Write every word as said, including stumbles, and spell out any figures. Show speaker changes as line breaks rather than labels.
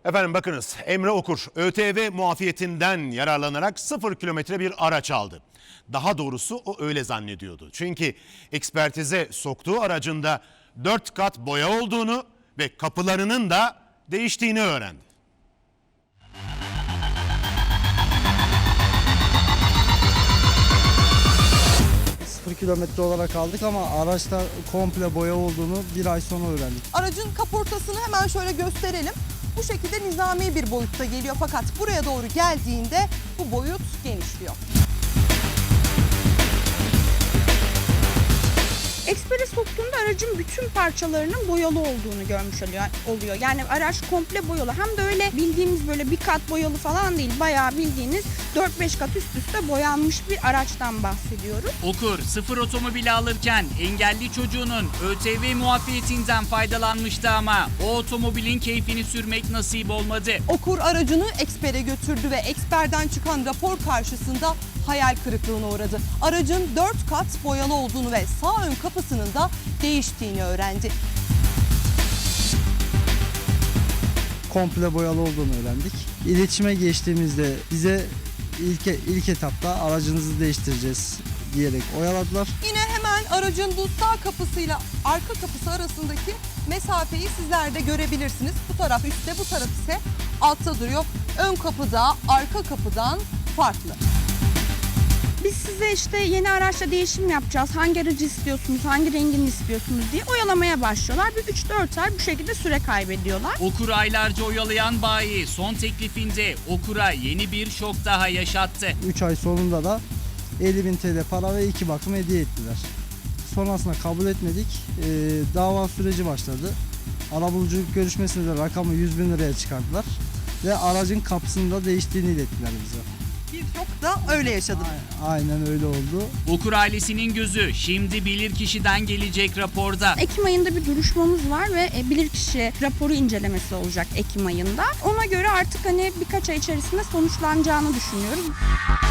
Efendim bakınız, Emre Okur ÖTV muafiyetinden yararlanarak sıfır kilometre bir araç aldı. Daha doğrusu o öyle zannediyordu. Çünkü ekspertize soktuğu aracında dört kat boya olduğunu ve kapılarının da değiştiğini öğrendi.
sıfır kilometre olarak aldık ama araçta komple boya olduğunu bir ay sonra öğrendik.
Aracın kaportasını hemen şöyle gösterelim. Bu şekilde nizami bir boyutta geliyor fakat buraya doğru geldiğinde bu boyut genişliyor.
Ekspere soktuğunda aracın bütün parçalarının boyalı olduğunu görmüş oluyor. Yani araç komple boyalı. Hem de öyle bildiğimiz böyle bir kat boyalı falan değil. Bayağı bildiğiniz dört beş kat üst üste boyanmış bir araçtan bahsediyoruz.
Okur sıfır otomobili alırken engelli çocuğunun ÖTV muafiyetinden faydalanmıştı ama o otomobilin keyfini sürmek nasip olmadı.
Okur aracını ekspere götürdü ve eksperden çıkan rapor karşısında hayal kırıklığına uğradı. Aracın dört kat boyalı olduğunu ve sağ ön kapısının da değiştiğini öğrendi.
Komple boyalı olduğunu öğrendik. İletişime geçtiğimizde bize ilk, ilk etapta aracınızı değiştireceğiz diyerek oyaladılar.
Yine hemen aracın bu sağ kapısıyla arka kapısı arasındaki mesafeyi sizler de görebilirsiniz. Bu taraf üstte, bu taraf ise altta duruyor. Ön kapıda arka kapıdan farklı.
Biz size işte yeni araçla değişim yapacağız. Hangi aracı istiyorsunuz, hangi rengini istiyorsunuz diye oyalamaya başlıyorlar. Bir üç dört ay bu şekilde süre kaybediyorlar.
Okur aylarca oyalayan bayi son teklifinde Okur'a yeni bir şok daha yaşattı.
üç ay sonunda da elli bin T L para ve iki bakım hediye ettiler. Sonrasında kabul etmedik. Ee, dava süreci başladı. Arabuluculuk görüşmesinde de rakamı yüz bin liraya çıkardılar. Ve aracın kapısını da değiştiğini ilettiler bize.
Birçok da öyle yaşadım.
Aynen öyle oldu.
Okur ailesinin gözü şimdi bilirkişiden gelecek raporda.
Ekim ayında bir duruşmamız var ve bilirkişi raporu incelemesi olacak Ekim ayında. Ona göre artık hani birkaç ay içerisinde sonuçlanacağını düşünüyoruz.